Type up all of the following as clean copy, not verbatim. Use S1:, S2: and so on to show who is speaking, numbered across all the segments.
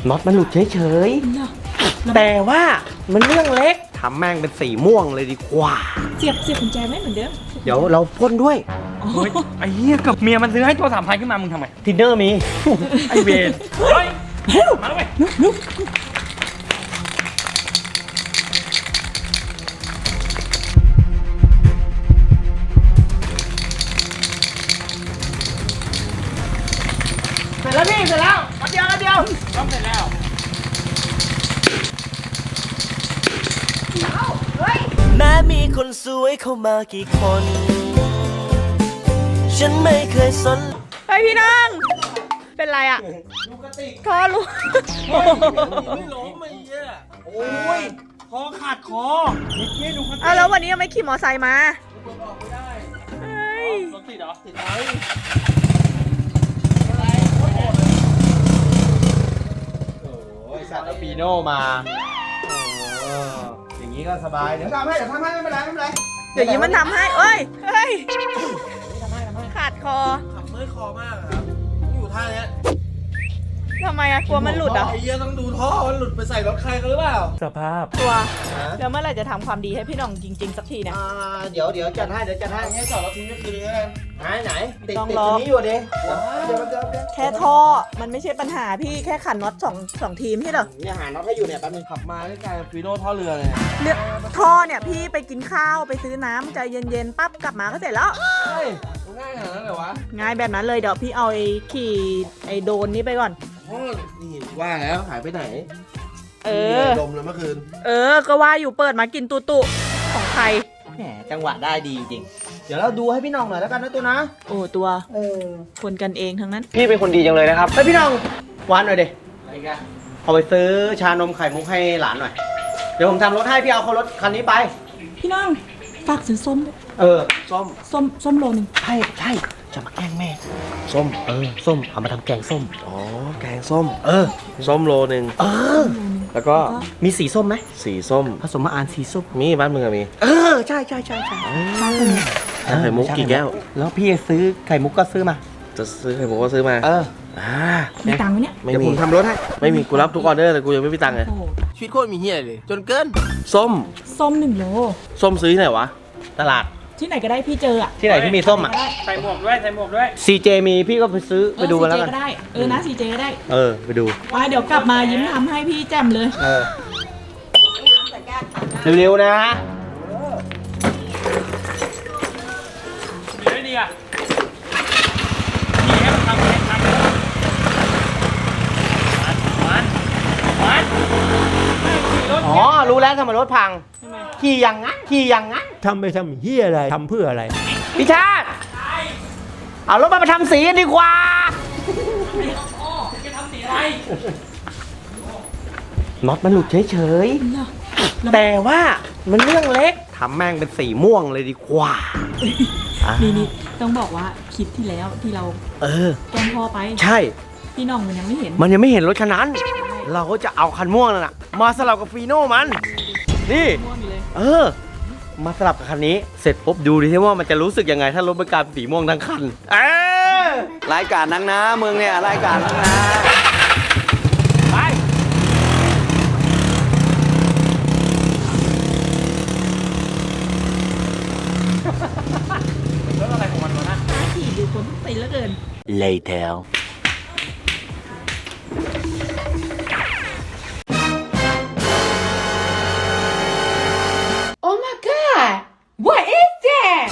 S1: น็อตมันหลุดเฉยๆแต่ว่ามันเรื่องเล็กทำแม่งเป็นสีม่วงเลยดีกว่า
S2: เสียบกุญแจไม่เหมือนเดิม
S1: เดี๋ยวเราพ่นด้วย
S3: ไอ้เหี้ยกับเมียมันซื้อให้ตัว3,000ขึ้นมามึงทำไม
S1: ทินเนอร์มี
S3: ไอเวนเฮ้ยมาแล้วเว้ยเสร็จแล้วพี่เสร็จแล้วมาเดียวซ่อมเสร็จแล้ว
S4: แม้มีคนสวยเข้ามากี่คนฉันไม่เคยสน
S2: ไปพี่น้องเป็นไรอ่ะลูกกระติกคอลูก
S4: ไม่ล้มไม่เยอะโอ้ยคอขาดคอนี่ดูกัน
S2: แล้ววันนี้ยังไม่ขี่มอไซค์มา
S4: ออกไม่ได้
S3: รถติดเหรอ
S4: ติดไหม
S1: โอ้ยสัตว์เอาปีโน่มาอย่างนี้ก็สบายเดี๋ยวทำให้ไม่เป็นไร
S2: เดี๋ยวยิ้มมันทำให้เฮ้ยขาดคอ
S4: ขับเมื่อยคอมากครับอยู่ท่านี้
S2: ทำไมอะกลัวมันหลุดอ่ะ
S4: ไอ้เหี้ยต้องดูท่อมันหลุดไปใส่รถใครกันหรือเปล่า
S3: สภาพ
S2: ตัวแล้วเมื่อไหร่จะทำความดีให้พี่น้องจริงๆสักทีเนี่ย
S1: เดี๋ยวจัดให้
S4: ให้จอดรถทิ้งก็คือเลย
S1: ไหนติดตัวนี้อยู่ดิเดี๋ยว
S2: แค่ท่อมันไม่ใช่ปัญหาพี่แค่ขันน็อตสองทีมใช่เหรอ
S1: เนี่ยหาน็อตให้อยู่เนี่ยแป๊บนึง
S4: ขับมาใกล้ๆฟีโน่ท่อเรือเลย
S2: ท่อเนี่ยพี่ไปกินข้าวไปซื้อน้ำใจเย็นๆปั๊บกลับมาก็เสร็จแล้ว
S4: เฮ้ยง่ายขนาดนั้นเลยวะ
S2: ง่ายแบบนั้นเลยเดี๋ยวพี่เอาขี่ไอ้โดนนี้ไปก่อน
S4: นี่ว่าแล้วหายไปไหนดมเลยเมื่อคืน
S2: ก็ว่าอยู่เปิดมากินตุของใคร
S1: แหมจังหวะได้ดีจริงเดี๋ยวเราดูให้พี่น้องหน่อยแล้วกันนะตัวนะ
S2: ตัวคนกันเองทั้งนั้น
S1: พี่เป็นคนดีจังเลยนะครับไปพี่น้องหวานหน่อยดิอะไรกันเอาไปซื้อชานมไข่มุกให้หลานหน่อยเดี๋ยวผมทำรถให้พี่เอาเขารถคันนี้ไป
S2: พี่น้องฝากซื้อส้มส้มโลนึง
S1: ใช่จะมาแกล้งแม่ส้มส้มเอามาทำแกงส้ม
S4: แกงส้มส้มโลนึงแล้วก็
S1: มีสีส้มไหม
S4: สีส้ม
S1: ผสมมาอ่านสีส้ม
S4: มีบ้านมึงอะมี
S1: ใช่
S4: ไข่มุกกี่แก้ว
S1: แล้วพี่ซื้อไข่มุกก็ซื้อมา
S4: จะซื้อไข่มุกก็ซื้อมา
S2: มีตังค์ไหมเนี่ย
S4: เดี๋ยวผมทำรถให้ไม่มีกูรับทุกออเดอร์แต่กูยังไม่มีตังค์เลยชีวิตโคตรมีเฮียเลยจนเกินส้ม
S2: 1 โล
S4: ส้มซื้อที่ไหนวะ
S1: ตลาด
S2: ที่ไหนก็ได้พี่เจออะ
S1: ที่ไหนที่มีส้มอะ
S3: ใส่หมวกด้วย
S1: CJ มีพี่ก็ไปซื้อไปดูกันแล้วกัน
S2: ก็ได้นะ CJ ก็ได้
S1: ไปดู
S2: ไปเดี๋ยวกลับมายิ้มทำให้พี่แจ่มเลย
S1: เร็วๆนะ
S3: ดีอ่ะดีให้มันทำให้ทันมัน
S1: รู้แล้วทำไมรถพังขี่อย่างนั้น
S5: ทำไปทำเฮียอะไรทำเพื่ออะไร
S1: พี่ชาติเอารถมาทำสีกันดีกว่า
S3: จะทำสีอะไร
S1: น็อตมันหลุดเฉยๆแต่ว่ามันเรื่องเล็กทำแม่งเป็นสีม่วงเลยดีกว่า
S2: นี่ต้องบอกว่าคลิปที่แล้วที่เราแกล้งพ่อไป
S1: ใช่
S2: พี่น้องมันยังไม่เห็น
S1: รถคันนั้นเราก็จะเอาคันม่วงนั่นน่ะมาสลับกับฟีโน่มันนี่มาสลับกับคันนี้เสร็จปุ๊บดูดิที่ว่ามันจะรู้สึกยังไงถ้ารถมันกลายเป็นสีม่วงทั้งคัน
S4: รายการนังนะมึงเนี่ยรายการนังนะ
S1: ไป
S3: รถอะไรของมันวะนะ
S2: ขี่ดูคนตีแล้วเกิน
S1: Later
S2: What is that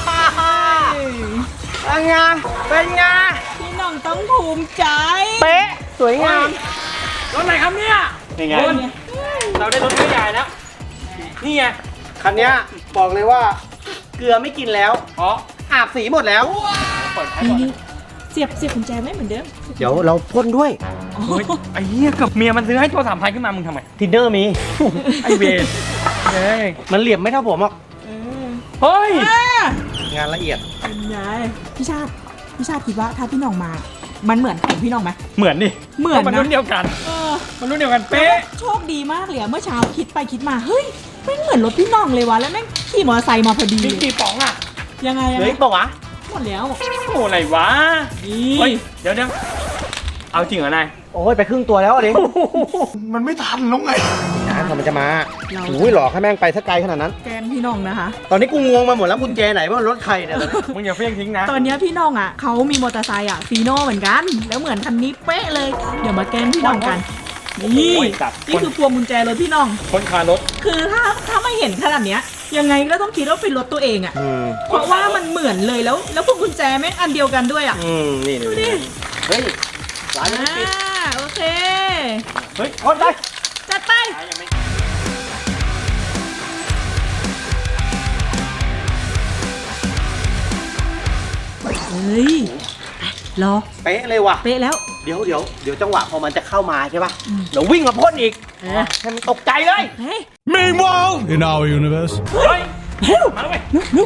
S1: เป็นไง
S2: พี่น้องต้องภูมิใจ
S1: เป๊ะสวยงาม
S3: รถอะไรครับเนี่ย
S1: นี่ไง
S3: เราได้รถไม่ใหญ่แล้วนี่ไง
S1: คันนี้บอกเลยว่าเกลือไม่กินแล้วอาบสีหมดแล้ว
S2: นี่เสียบกุญแจไม่เหมือนเดิม
S1: เดี๋ยวเราพ่นด้วย
S3: ไอ้เหี้ยกับเมียมันซื้อให้ตัว3,000ขึ้นมามึงทำไม
S1: ทินเนอร์มี
S3: ไอเวน
S1: มันเหลี่ยมไม่เท่าผมหรอก
S3: เฮ้ย
S1: งานละเอียด
S2: เป็นไงพี่ชาติคิดว่าถ้าพี่น้องมามันเหมือนของพี่น้องไหม
S3: เหมือนนะมันรุ่นเดียวกันเป๊ะ
S2: โชคดีมากเลยเมื่อเช้าคิดไปคิดมาเฮ้ยไม่เหมือนรถพี่น้องเลยวะแล้วแม่งขี่มอเตอร์ไซค์มาพอดี
S3: กี่ป๋องอะ
S2: ยังไง
S1: เฮ้ยบอกวะ
S2: หมดแล้ว
S3: โอ้อะไรวะเดี๋ยวเอาจริงเหรอนาย
S1: โอ้ยไปครึ่งตัวแล้วดิ
S4: มันไม่ทันแล้วไง
S1: น้ำมันจะมาอุ้ยหลอกให้แม่งไปสักไกลขนาดนั้น
S2: แกล้งพี่น้องนะคะ
S1: ตอนนี้กูงงมาหมดแล้วกุญแจไหนว่ารถใครเนี่ย
S3: มึงอย่าเฟี้ยงทิ้งนะ
S2: ตอนเนี้ยพี่น้องอ่ะเขามีมอเตอร์ไซค์อ่ะฟีโน่เหมือนกัน แล้วเหมือนคันนี้เป๊ะเลย เดี๋ยวมาแกล้งพี่น้องกัน นี่
S3: โอ้ยจับ
S2: นี่คือพวงกุญแจรถพี่น้อง
S3: คนคารถ
S2: คือถ้าไม่เห็นขนาดเนี้ยยังไงก็ต้องคิดว่าเป็นรถตัวเองอ่ะ เพราะว่ามันเหมือนเลยแล้วพวงกุญแจแม่งอันเดียวกันด้วยอ่ะ
S1: นี่
S2: ดูดิ
S1: เฮ้ยร้านนี้ปิด
S2: โอเค
S3: เฮ้ยคนได้
S2: จัดไปเฮ้ยรอ
S1: เป๊ะเลยว่ะ
S2: เป๊ะแล้ว
S1: เดี๋ยวจังหวะพอมันจะเข้ามาใช่ป่ะเดี๋ยววิ่งมาพ่นอีก
S2: เออ
S1: ให้มันตกใจเลย
S2: เฮ้ย
S4: Meanwhile in our universe
S3: เฮ้ย
S2: เร็ว
S3: มาเลย
S2: นุ๊ก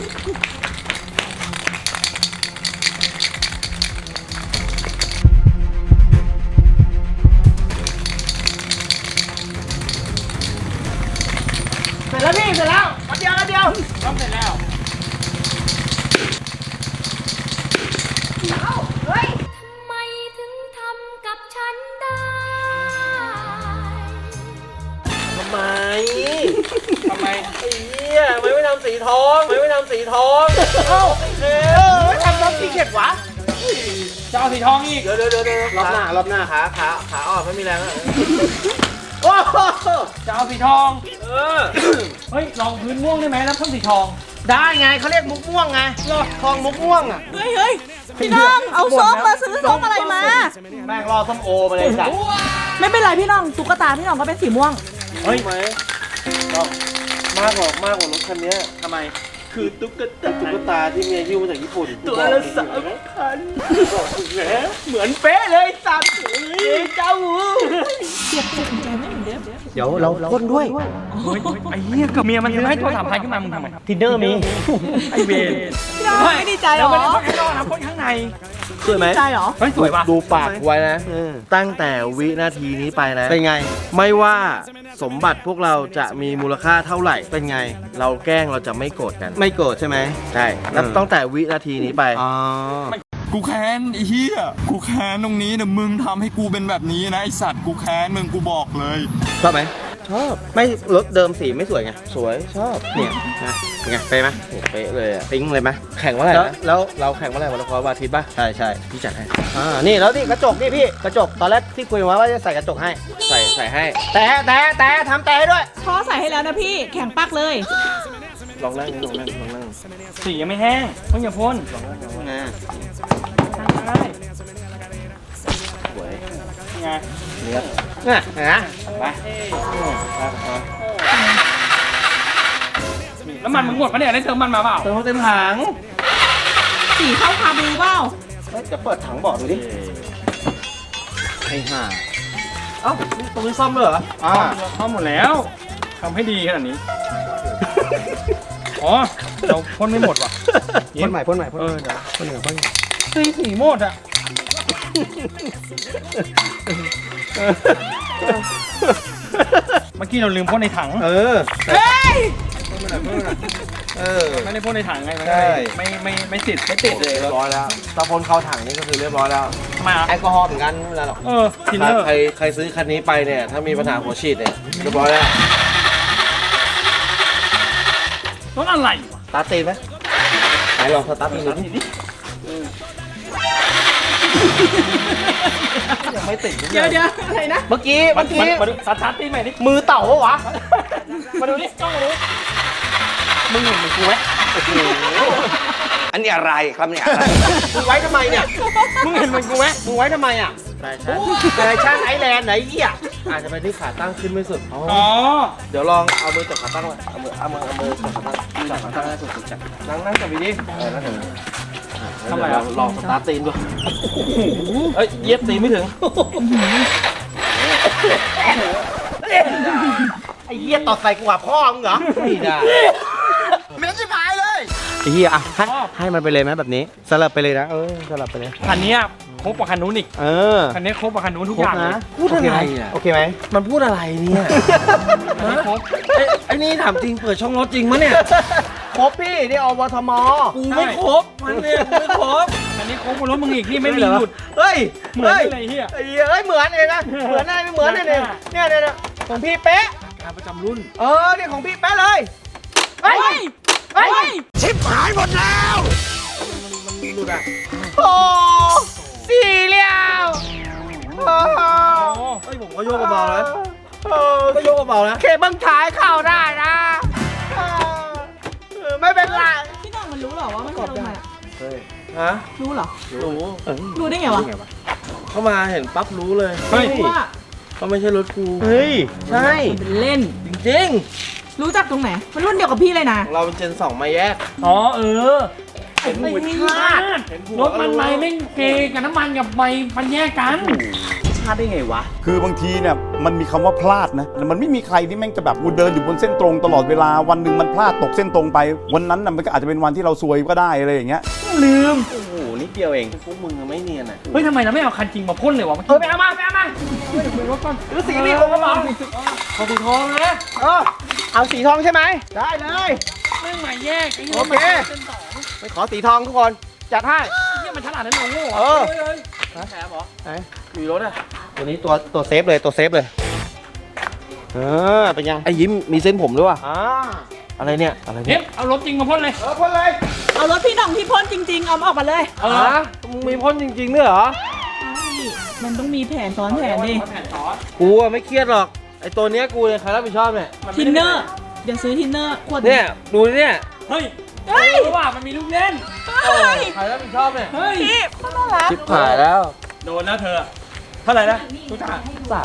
S1: เสร็จแล้วพี่เสร็จแล้วแป๊บเดียว
S3: ต้องเสร็จแล้ว
S1: เฮ้ย
S6: ทำไมถึงทำกับฉันได้
S1: ทำไม
S3: ทำไม
S1: ไอ้เหี้ยทำไมไม่ทำสีทองทำไมไม่ทำสีทองเอ้าไม่ทำน้ำสีเข็ดวะ
S3: จะเอาสีทองอีก
S1: เดี๋ยวรอบหน้าขาอ่อนไม่มีแรงแล้วโอ้โห
S3: จะเอาสีทอง
S1: เออ
S3: เฮ้ยลองพื้นม่วงได้ไหมแล้วเพิ่มสีทอง
S1: ได้ไงเขาเรียกมุกม่วงไงทองมุกม่วงอ่ะ
S2: เฮ้ยพี่น้องเอาส้มมาซื้อส้มอะไรมา
S1: แม่งรอส้มโอมาเลยจ้ะ
S2: ไม่เป็นไรพี่น้องตุ๊กตาพี่น้องก็เป็นสีม่วง
S1: เฮ้ยไหมมากกว่ารถคันนี้
S3: ทำไม
S1: คือตุ๊กตาที่เมียยิ้วมาจากญี่ปุ่นตัวละ3,000บอกถึงแล้วเหมือนเป๊ะเลยสัตว์เจ้า
S2: เสียบกุญแจไม่เหมือนเดิม
S1: เดี๋ยวเราพ่นด้วย
S3: เฮ้ยไอ้เหี้ยกับเมียมันซื้อให้ตัว3,000ขึ้นมามึงทำไม
S1: ทินเนอร์มี
S3: ไอ้เวร
S2: พี่น้องไม่ดีใจเหร
S3: เรา
S2: อ
S3: ไม่ได้พ่นข้างนอกนะพ่นข้างใน
S1: สวยไหม
S2: ดีใจเหรอ
S3: เฮ้ยสวยว่ะ
S7: ดูปากไว้นะ ตั้งแต่วินาทีนี้ไปนะ
S1: เป็นไง
S7: ไม่ว่าสมบัติพวกเราจะมีมูลค่าเท่าไหร่
S1: เป็นไง
S7: เราแกล้งเราจะไม่โกรธกัน
S1: ไม่โกรธใช่ไหม
S7: ใช่นับตั้งแต่วินาทีนี้ไป
S1: อ๋อ
S4: กูแค้นไอ้เหี้ยกูแค้นตรงนี้นะมึงทำให้กูเป็นแบบนี้นะไอสัตว์กูแค้นมึงกูบอกเลย
S1: ชอบไหม
S7: ชอบ
S1: ไม่รถเดิมสีไม่สวยไง
S7: สวยชอบ
S1: เนี่ยนะเป็นไงเป๊ะไหม
S7: โอ้เป๊ะเลยอะ
S1: ปิ๊งเลยไหม
S7: แข่งเมื่อไหร่นะ
S1: แล้ว
S7: เราแข่งเมื่อไหร่วันละครวันอาทิตย์ป่ะ
S1: ใช่
S7: พี่จัดให้
S1: นี่แล้วนี่กระจกนี่พี่กระจกตอนแรกที่คุยไว้ว่าจะใส่กระจกให้
S7: ใส่ให้
S1: แต่ทำแต่ให้ด้วย
S2: พ่อใส่ให้แล้วนะพี่แข็งปักเลย
S7: ลองนั่งนี่ลองนั่ง
S3: สียังไม่แห้งเพิ่งอย่าพ่น
S1: นะ
S3: ได้
S7: สวย
S3: ไง
S1: เนี่ยนะ
S3: ไปแล้วมันมึงหมดปะเนี่ยได้เติมมันมาเปล่า
S1: เติมถัง
S2: สีเข้าคาบูเปล่า
S1: จะเปิดถังบอกดูดิ
S7: ไอ้ห่า
S1: เอ้านี่ตรงนี้ซ่อมด้วยเหรอ
S3: เข้าหมดแล้วทำให้ดีขนาดนี้ อ๋อ เราพ่นไม่หมดว่ะ
S1: พ่นใหม่
S3: เออเดี๋ยว
S1: พ่นใหม่
S3: เฮ้ยสีหมดอ่ะ เมื่อกี้เราลืมพ่นในถัง
S1: เออ
S2: เฮ้ย
S3: ไม่ได้พ่นในถังไงมัน
S1: ใช่
S3: ไม่ติดไม่ติดเลย
S7: เรียบร้อยแล้วถ้าพ้นเข้าถังนี่ก็คือเรียบร้อยแล้ว
S3: ทำไมอ่ะ
S1: แอลกอฮอล์เหมือนกันไม่เป็นไรหรอก
S3: เออทินเนอร์
S7: ใครซื้อคันนี้ไปเนี่ย ถ้ามีปัญหาหัวฉีดเนี่ยเรียบร้อยแล้ว
S3: รถอะไรวะ
S1: ตาร์ทตีนไหมไหนลองสตาร์ทตีนดูดิยังไม่ติด
S2: เดี๋ยวอะไรนะ
S1: เมื่อกี้
S3: มาดูสตาร์ทตีใหม่ดิ
S1: มือเต่าปะวะ
S3: มาดูดิจ้องมาดูมึงเห็นมึงกูไหม
S1: อันนี้อะไรครับเนี่ยอะไรมึงไว้ทำไมเนี่ย
S3: มึงเห็นมึงกูไหม
S1: มึงไว้ทำไมอ่ะ
S7: ใช่
S1: แฟชั่นไอแลนด์ไหนเหี้ย
S7: อาจจะเป็นที่ขาตั้งขึ้นไม่สุด
S3: อ๋อ
S7: เดี๋ยวลองเอามือจับขาตั้งไว้เอามือจับขาตั้งจับขาตั้งให้สุดจับนั่งจับดีๆนั่งจับดี
S3: ทำไมอ่ะ
S7: ลองสตาร์ทตีนดู
S3: เอ้ยเย็บตีไม่ถึง
S1: ไอ้เหี้ยตอดใส่กูว่าพ่อมึงเหรอ
S7: ไม่ได้
S1: ไม่ต้องชิบหายเลยไอ้เหี้ยอ่ะให้มันไปเลยไหมแบบนี้สลับไปเลยนะสลับไปเลย
S3: คันนี้ครบกว่าคันนู้นอีก คันนี้ครบกว่าคันนู้นทุกอย่างเลย
S7: พูดอะไรอ่ะ
S1: โอเคไหม
S7: มันพูดอะไรเนี่ย
S3: คันนี้ครบ
S7: ไอ้นี่ถามจริงเปิดช่องรถจริงมะเนี่ย
S1: ครบพี่นี่อวทม
S7: กูไม่ครบมันเนี่ยกูไม่ครบ
S3: คันอันนี้โค้งบนรถมึงอีกนี่ไม่มีหลุด
S1: เฮ้ย
S3: เหมือนอะไรเฮีย
S1: เฮ้ยเหมือนเองนะเหมือนอะไรไม่เหมือนเนี่ยเนี่ยของพี่เป๊ะ
S3: การประจำรุ่น
S1: เนี่ยของพี่เป๊ะเลยเฮ้ย
S2: เฮ้ย
S1: ชิบหายหมดแล้วโอ้สี่เหลี่ยมเฮ้ยผมก็โยกเบาๆเลยก็โยกเบาๆนะเคบังท้ายเข้าได้นะไม่เป็นไร
S2: พี่น้องมันรู้เหรอว่ามันจะลงมา
S7: ฮะ
S2: รู้เหรอ
S7: รู้
S2: รู้ได้ไงวะ
S7: เข้ามาเห็นปั๊บรู้เลย
S3: เฮ้ย
S2: รู้ว่า
S7: เขาไม่ใช่รถกู
S1: เฮ้ย
S7: ใช่
S2: มันเป็นเล่น
S7: จริง
S2: รู้จักตรงไหน มันรุ่นเดียวกับพี่เลยนะ
S7: ๆ เราเป็นเจน 2 มาแยก
S3: อ๋อ
S7: เห็น
S3: ไม่
S7: หัว
S3: พลาด
S7: เห็นหัว
S3: รถมันไม่ไม่เกกับน้ำมันกับไมมันแยกกัน
S1: พลาดได้ไงวะ
S8: คือบางทีเนี่ยมันมีคำว่าพลาดนะมันไม่มีใครที่แม่งจะแบบกูเดินอยู่บนเส้นตรงตลอดเวลาวันหนึ่งมันพลาดตกเส้นตรงไป วันนั้นน่ะมันก็อาจจะเป็นวันที่เราซวยก็ได้อะไรอย่างเงี้ย
S3: ลืม
S1: โอ้โหนิดเดียวเอง
S7: พวกมึงอะไม่เนียนอ่ะ
S3: เฮ้ยทำไมเราไม่เอาคันจริงมาพ่นเลยวะไปเอามาไปเอามาเดี๋ยวรถก่อน
S1: หรือสีนี่ผมก็บอก
S3: ขอบคุณทองนะ
S1: เอาสีทองใช่ไหมได้เลย
S3: ไม่ใหม่แยกไอ้
S1: โอเค ไปขอสีทองทุกคนจัดให้
S3: เนี่ยมันฉลาดนั่นโง่
S1: เออ
S7: แถมเหรอ
S1: ไหน
S7: มีรถอ่ะ
S1: ตัวนี้ตัวเซฟเลยตัวเซฟเลยเป็นยัง
S7: ไอ้ยิ้มมีเส้นผมด้วยว่ะ
S1: อะไรเนี่ยอะไร
S3: เฮ้
S1: เนี่ย
S3: ยเอารถจริงมาพ่นเลย
S1: พ่นเลย
S2: เอารถพี่น้องที่พ่นจริงๆ เอามาออกมาเลย
S7: มึงมีพ่นจริงๆด้วยเหรอ
S2: มันต้องมีแผนซ้อนแผนดิ
S7: กูอะไม่เครียดหรอก ไอ้ตัวเนี้ยกูเนี่ยใครรับผิดชอบเนี่ย
S2: ทินเนอร์ เดี๋ยวซื้อทินเนอร์ขวด
S7: เนี่ย ดูเนี่ย
S3: เฮ้ย
S2: เฮ้ย
S3: ว่ามันมีลูกเล่น
S2: เฮ้ย
S7: ใครรับผิดชอบเนี่ย
S3: เฮ้ย
S2: พี่เขาน่ารัก
S7: ชิบหายแล้ว
S3: โดนแล้วเธอ เท่าไหร่นะทุกท่า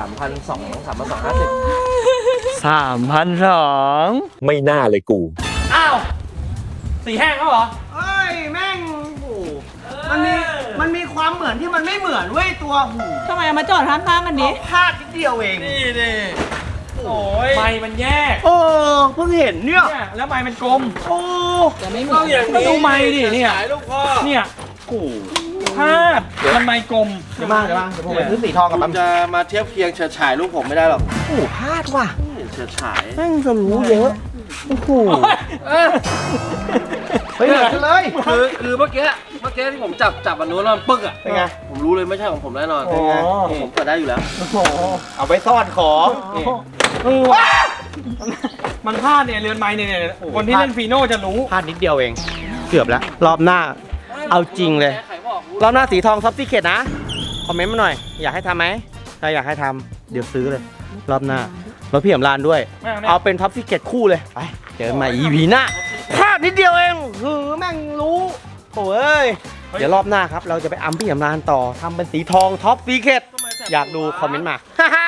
S7: 3,250
S1: 3,200
S5: ไม่น่าเลยกู
S3: อ้าวสีแห้งแล้วเหรอ
S1: เฮ้ยแม่งโอ้โหมันมีความเหมือนที่มันไม่เหมือนเว้ยตัวหู
S2: ทำไมเอามาจอดข้างๆกันดิ
S1: พลาดนิดเดียวเอง
S3: นี่ดิโอ้ยไมมันแยก
S1: โอ้เพิ่งเห็นเนี่ย
S3: เนี่ยแล้วไมมันกลม
S1: โอ้
S2: แต่ไม่เหมื
S3: ก็
S2: อน
S3: อย่างนี้ดูไมดิเนี่ย
S7: ขายลูกพ่อ
S3: เนี่ยโอ้พลาดมันไมกลม
S1: เดี๋ยวมาเดี๋ยวผมไปซื้อสีทองกับ
S7: คุ
S1: ปั๊
S7: ณ
S1: ม
S7: จะมาเทียบเคียงเฉิดฉายลูกผมไม่ได้หรอก
S1: โอ้พลาดว่ะ
S7: เฉิดฉาย
S1: แม่งจะรู้เยอะโอ้โห
S7: เฮ้ยเหมือนกันเลยคือเมื่อกี้ที่ผมจับอันนู้นแล้วมันปึ๊กอ่ะ
S1: เป็นไง
S7: ผมรู้เลยไม่ใช่ของผมแน่นอน
S1: เป็นไง
S7: ผมเปิดได้อยู่แล้ว
S1: เอาไปซ่อนของนี่
S3: มันพลาดเนี่ยเรือนไม้เนี่ยคนที่เล่นฟีโน่จะรู้
S1: พลาดนิดเดียวเอง เกือบแล้ว รอบหน้า เอาจริงเลย
S7: ใครบอกรู้
S1: รอบหน้าสีทองท็อปซีเคทนะ คอมเมนต์มาหน่อย อยากให้ทำไหมถ้าอยากให้ทำเดี๋ยวซื้อเลย รอบหน้ารถพี่อำลานด้วย
S3: ไม่
S1: เอาเป็นท็อปซีเคทคู่เลย ไป เจอกันใหม่ EP หน้าพลาดนิดเดียวเองหือแม่งรู้โอ้ย เดี๋ยวรอบหน้าครับ เราจะไปอัมพี่อำลานต่อทำเป็นสีทองท็อปซีเคทอยากดูคอมเมนต์มา